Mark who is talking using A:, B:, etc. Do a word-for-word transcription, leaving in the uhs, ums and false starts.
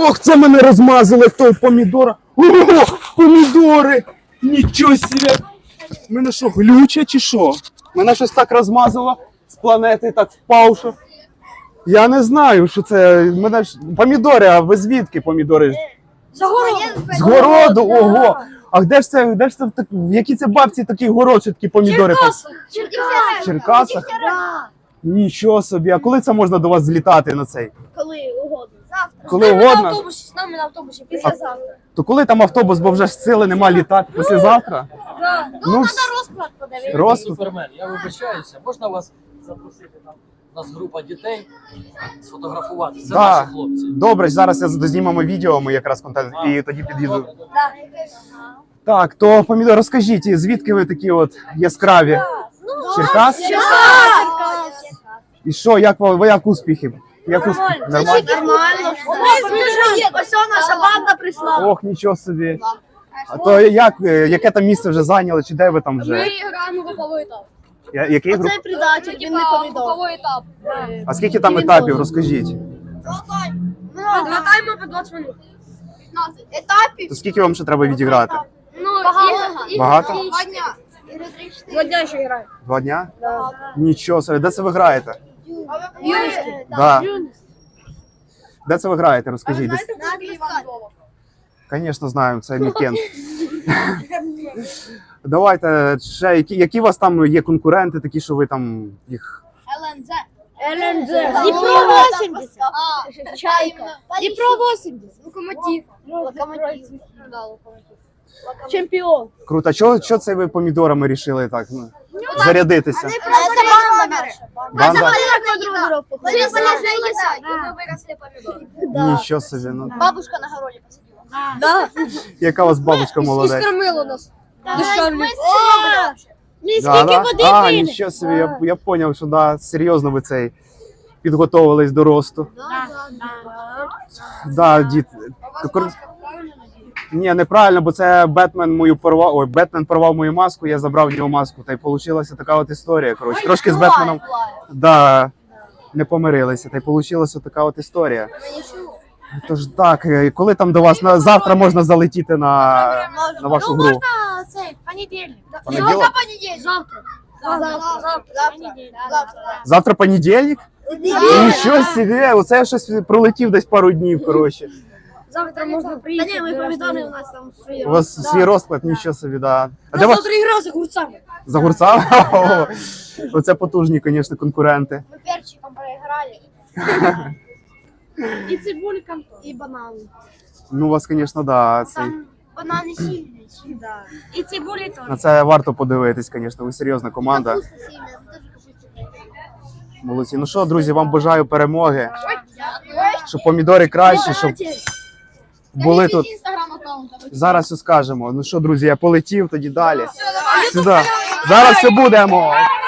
A: Ох, це мене розмазало того помідора. О, помідори! Нічого себе! Мене що, глюче чи що? Мене щось так розмазало з планети, так впав, що... Я не знаю, що це. Мене ж... Помідори, а ви звідки помідори?
B: З городу.
A: З городу, ого! А де ж це, де ж це, в якій це бабці такий город, що такі помідори?
B: Черкасах.
A: В Черкасах? Нічого собі. А коли це можна до вас злітати на цей?
B: Коли угодно. Завтра.
A: Коли
B: З нами
A: угодно?
B: на автобусі, з нами на автобусі, післязавтра.
A: То коли там автобус, бо вже ж сили нема літати післязавтра?
B: Да.
A: Ну,
B: Ну, треба
A: вс-
B: розклад подивитися.
A: Роз...
C: Супермен, я вибачаюся, можна вас запросити там? У нас група дітей сфотографувати. Це
A: Да.
C: наші хлопці.
A: Добре, зараз я знімемо відео, ми якраз контент, і тоді під'їду.
B: Да.
A: Так, то помідор, розкажіть, звідки ви такі от яскраві? Черкас?
B: Черкас.
A: І що, як ви, ви як успіхи? Як успіхи? Нормально?
B: Нормально. Ось наша банда прийшла.
A: Ох, нічого собі. А то як, е, яке там місце вже зайняли, чи де ви там вже?
B: граємо груповий етап.
A: Я- Який груп?
B: предатель, він не повідомив. Груповий етап.
A: А скільки там етапів, розкажіть?
B: Два тайми по двадцять минут. Етапів?
A: То скільки вам ще треба відіграти?
B: Ну, багато.
A: Багато?
B: Два дня. Два дня ще граємо.
A: Два дня? Нічого собі. Де це ви граєте?
B: Юності.
A: Да. Де це ви граєте, розкажіть. Десь... Звісно, знаємо, це Мікент. Давайте ще, які, які у вас там є конкуренти, такі, що ви там їх...
B: ЛНЗ. ЛНЗ. Дніпро вісімдесят. Чайка. Дніпро вісімдесят. Локомотив. Локомотив. Чемпіон.
A: Круто. А чого, чого це ви помідорами рішили так ну, зарядитися?
B: Це банда наша.
A: Банда?
B: Вони положилися, і ми виросли помідори.
A: Нічого собі. Ну.
B: Бабушка на городі посадила.
D: Да.
A: Яка у вас бабушка
D: І
A: молодець?
D: скормила нас. Дешевле.
B: Ми
A: Да,
B: скільки
A: да?
B: води
A: А,
B: пили.
A: нічого собі, я, я зрозумів, що да, серйозно ви цей підготовились до росту. Да, дід. Кор- Ні, неправильно, бо це Бетмен мою порвав. Ой, Бетмен порвав мою маску, я забрав в нього маску. Та й вийшла така от історія. Коротше, трошки з Бетменом да, не помирилися. Та й вийшла така от історія. Тож так, е, коли там до вас на завтра можна залетіти на, на вашу гру?
B: А, цей, в понедільник.
A: Понеділок?
B: Завтра понедільник. Завтра. Завтра. Завтра. Завтра.
A: Завтра понедільник? Нічого собі, оце я щось пролетів десь пару днів, коротше.
B: Завтра можна приїхати. Та ні, ми помідори у нас там свої.
A: У вас свій розклад, нічого собі, да. А де вас
D: Завтра гра за гурцами.
A: за гурцами? О, оце потужні, звісно, конкуренти.
B: Ми перчиком проіграли. І цибульком, і банан.
A: Ну, у вас, звісно, да, цей,
B: Там банани сильні. Да. І цибулі теж.
A: на це варто подивитись, звісно, ви серйозна команда.
B: Капуста сильна, це теж капуста.
A: Молодці. Ну що, друзі, вам бажаю перемоги, щоб помідори кращі, щоб були тут. Зараз все скажемо. Ну що, друзі, я полетів, тоді далі. Сюди. Зараз все будемо.